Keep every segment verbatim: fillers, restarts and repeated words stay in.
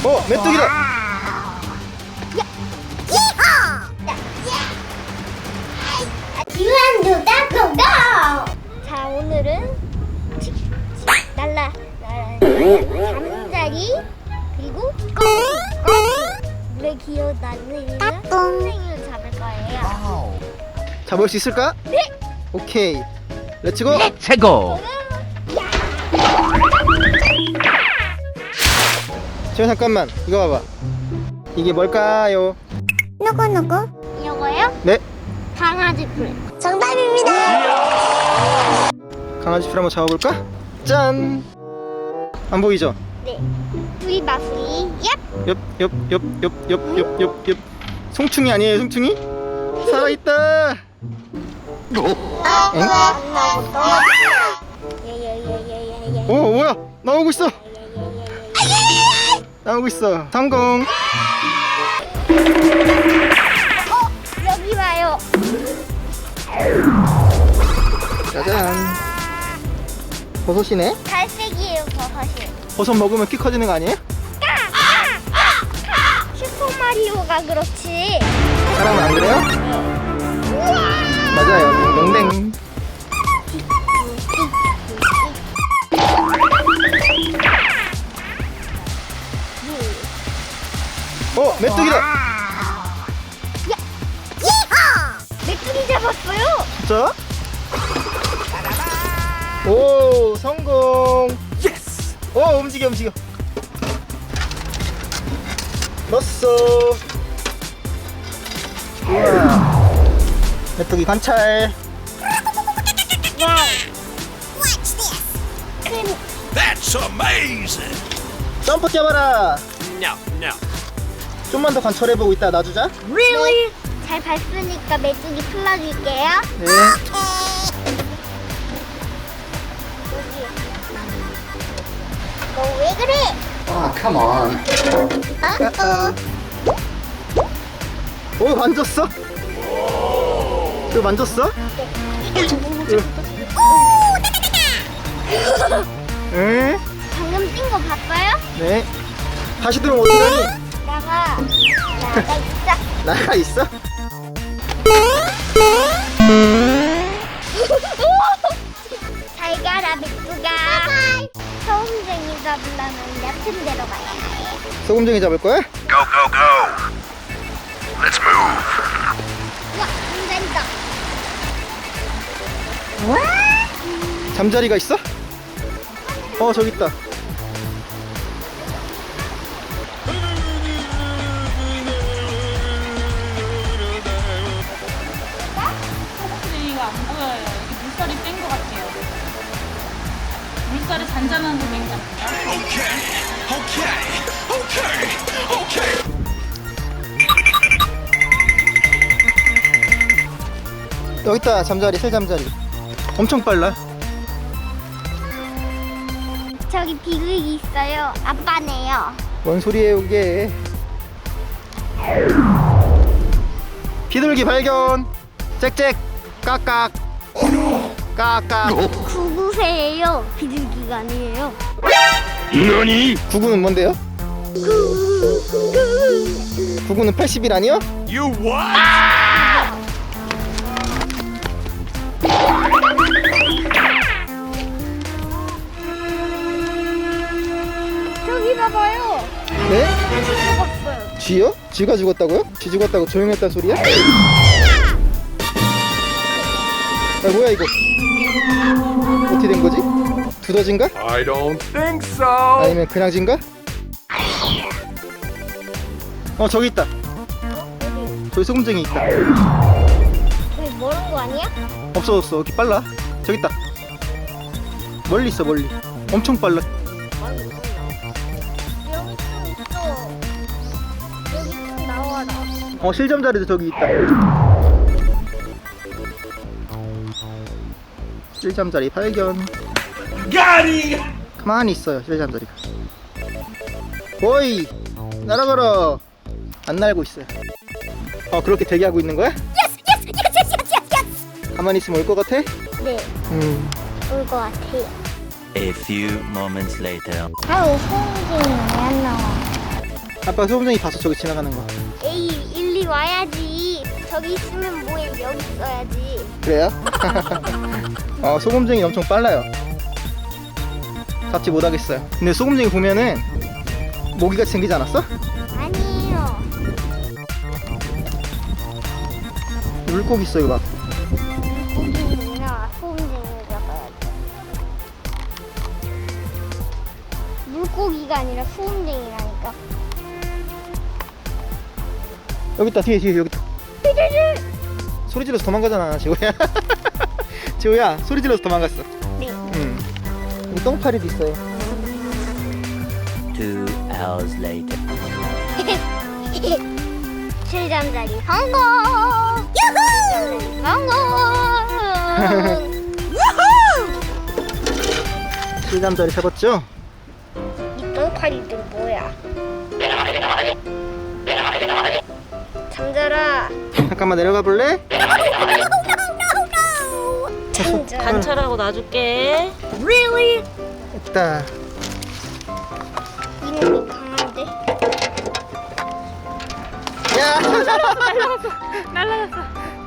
어, 메뚜기다. 유한두다 고고. 자, 오늘은 칙, 칙, 날라 날라 잠자리 그리고 꼬리 꼬리 물에 기어다니는 선생님을 잡을 거예요. 잡을 수 있을까? 네. 오케이. 렛츠고. 최고. 지금 잠깐만. 이거 봐봐. 이게 뭘까요? 누구 누구? 이거요? 네. 강아지 풀. 정답입니다. 강아지 풀 한번 잡아볼까? 짠. 안 보이죠? 네. 뿌리 마풀이. 얍. 옆, 옆, 옆, 옆, 옆, 옆, 옆, 옆. 송충이 아니에요, 송충이? 살아있다. 엥? 예예예예예예. 오, 뭐야? 나오고 있어. 나오고 있어. 성공. 어, 여기 와요. 짜잔. 버섯이네. 갈색이에요, 버섯이. 버섯 먹으면 키 커지는 거 아니에요? 슈퍼 마리오가 그렇지. 사람은 안 그래요? 맞아요. 딩동댕. 어, 메뚜기다. 메뚜기 잡았어요. 진짜? 오, 성공. 예스. 오, 움직여, 움직여. 넣었어. 우와. 메뚜기 관찰. 와우. That's amazing. 점프 뛰어봐라. No, no. 좀만 더 관찰해보고 있다 놔주자. Really? 잘 봤으니까 메뚜기 풀어줄게요. 네. 너 왜 그래? Ah, come on. 어? 오, 만졌어? 이거 만졌어? 응? 방금 뛴 거 봤어요? 네. 다시 들어오면 어떡하니? 나가. 나가 있어. 나가 있어? 잘 가라 메뚜가. 소음쟁이 잡으려면 얕은 데로 가야 해. 소금쟁이 잡을 거야? Go, go, go. Let's move. 와, 잠자리다. 잠자리가 있어? 어, 저기 있다. 소금쟁이가 안 보여요. 이게 물살이 뺀 것 같아요. 물살이 잔잔한 거 뺀 것 같아요. Okay, okay, okay, okay. 여기 있다. 잠자리, 새잠자리. 엄청 빨라. 저기 비둘기 있어요. 아빠네요. 뭔 소리예요, 이게? 비둘기 발견. 짹짹. 깍깍. 깍깍. 구구새예요. 비둘기가 아니에요. 너니? 구구는 뭔데요? 구구는 팔십 일 아니요? You what? 저기 봐봐요. 네? 죽었어요. 쥐요? 쥐가 죽었다고요? 쥐 죽었다고 조용했단 소리야? 아, 뭐야 이거? 어떻게 된 거지? 두더진가? I don't think so. 아니면 그냥 쥐인가? 어, 저기 있다. 저기 소금쟁이 있다. 저기 멀은 거 아니야? 없어졌어. 이렇게 빨라. 저기 있다. 멀리 있어, 멀리. 엄청 빨라. 여기 좀 있어. 여기 좀 나와라. 어, 실점자리도 저기 있다. 실점자리 발견. Got him. 가만히 있어요, 실점자리가. 오이, 날아가라. 안 날고 있어요. 어, 그렇게 대기하고 있는 거야? 가만히 있으면 올 것 같아? 네, 음. 올 것 같아요. A few moments later. 아유, 소음쟁이 왜 안 나와? 아빠 소금쟁이 봤어, 저기 지나가는 거. 에이, 일리 와야지. 저기 있으면 뭐해, 여기 있어야지. 그래요? 어, 소금쟁이 엄청 빨라요. 잡지 못하겠어요. 근데 소금쟁이 보면은 모기가 생기지 않았어? 아니에요. 물고기 있어, 이거 봐. 물고기는구나. 소금쟁이를 잡아야지. 물고기가 아니라 소금쟁이라니까. 여기 있다, 뒤에, 뒤에, 여기 있다. 소리 질러서 도망가잖아, 지호야. 지호야, 소리 질러서 도망갔어. 네. 응. 여기 똥파리도 있어요. Two hours later. 칠잠자리 성공! 유후! 성공! 실감자리 잡았죠? 이 똥파리들 뭐야? 잠자라. 잠깐만 내려가 볼래? 잠자라. 관찰하고 놔줄게. 됐다. 이놈이 강한데? 야! 날라갔어.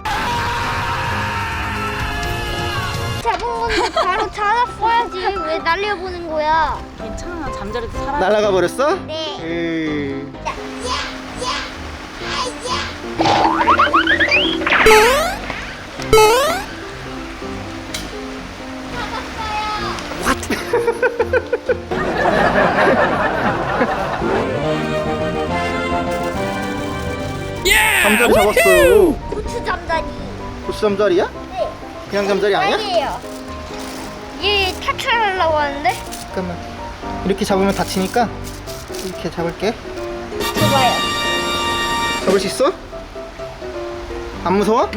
잡은 건데 바로 찾았어야지. 왜 날려보는 거야? 괜찮아. 잠자리도 살아. 날아가 버렸어? 네. 으... 잠자리 잡았어요. 고추 잠자리. 고추 잠자리야? 네. 그냥 잠자리 아니야? 아니에요. 얘 탈출하려고 하는데? 잠깐만. 이렇게 잡으면 다치니까 이렇게 잡을게. 봐봐요. 잡을 수 있어? 안 무서워?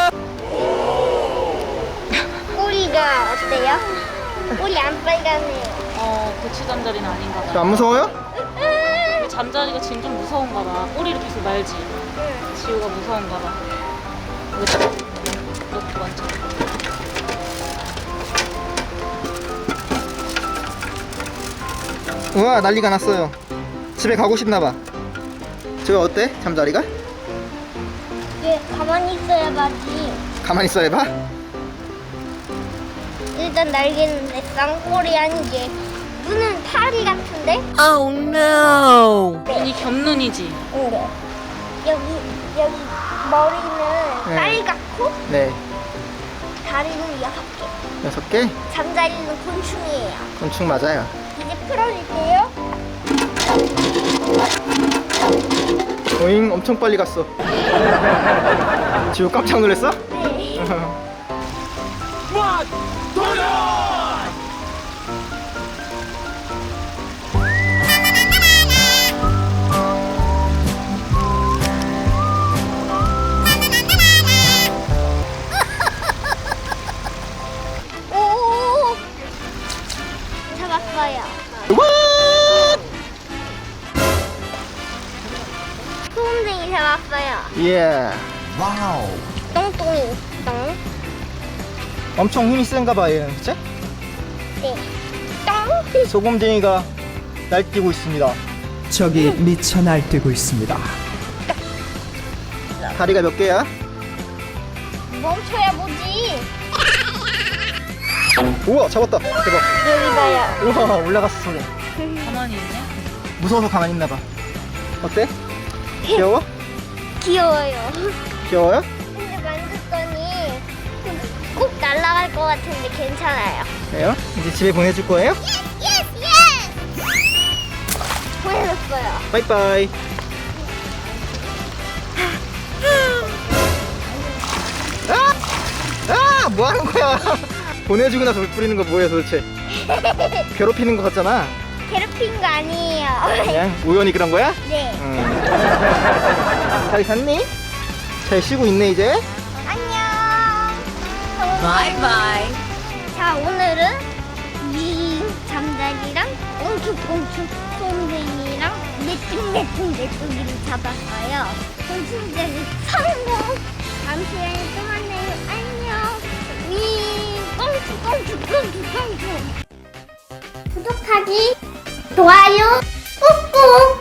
꼬리가 어때요? 꼬리 안 빨갛네요. 어, 고추 잠자리는 아닌가 저 봐. 안 무서워요? 우리 잠자리가 지금 좀 무서운가 봐. 꼬리를 계속 말지. 응. 지우가 무서운가 봐. 여기다 놓고 앉아. 우와, 난리가 났어요. 집에 가고 싶나 봐. 저 어때? 잠자리가? 얘 가만히 있어야 봐지. 가만히 있어 해봐. 일단 날개는 내 쌍꼬리 아니게. 눈은 파리 같은데? Oh no! 눈이 겹눈이지. 응. 여기 여기 머리는 네. 빨갛고 네. 다리는 여섯 개. 여섯 개? 잠자리는 곤충이에요. 곤충 맞아요. 이제 풀어줄게요. 오잉, 엄청 빨리 갔어. 지우 깜짝 놀랐어? 네. 오! 잡았어요. 소금쟁이 잡았어요. 예. 똥똥이 똥. 엄청 힘이 센가 봐, 얘는. 그치? 네. 똥. 소금쟁이가 날뛰고 있습니다. 적이 미쳐 날뛰고 있습니다. 다리가 몇 개야? 멈춰야 보지. 우와, 잡았다. 대박. 여기 봐요. 우와, 올라갔어, 소리. 가만히 있네. 무서워서 가만히 있나 봐. 어때? 귀여워? 귀여워요. 귀여워요? 근데 만졌더니 꼭 날아갈 것 같은데 괜찮아요. 그래요? 이제 집에 보내줄 거예요? 예스 예스. 보내줬어요. 빠이빠이. 아! 아! 뭐 하는 거야? 보내주고 나서 물 뿌리는 거 뭐야 도대체? 괴롭히는 거 같잖아. 괴롭힌 거 아니에요. 그냥 우연히 그런 거야? 네. 응. 잘 잤니? 잘 쉬고 있네 이제. 안녕. Bye-bye. 자, 오늘은 이 잠자리랑 꽁충꽁충 솜쟁이랑 내뚱내뚱 내뚱이를 잡았어요. 곤충제는 성공. 다음 시간에 또 만나요. 안녕. 위 꽁충꽁충 꽁충꽁충. 구독하기, 좋아요, 꾹꾹.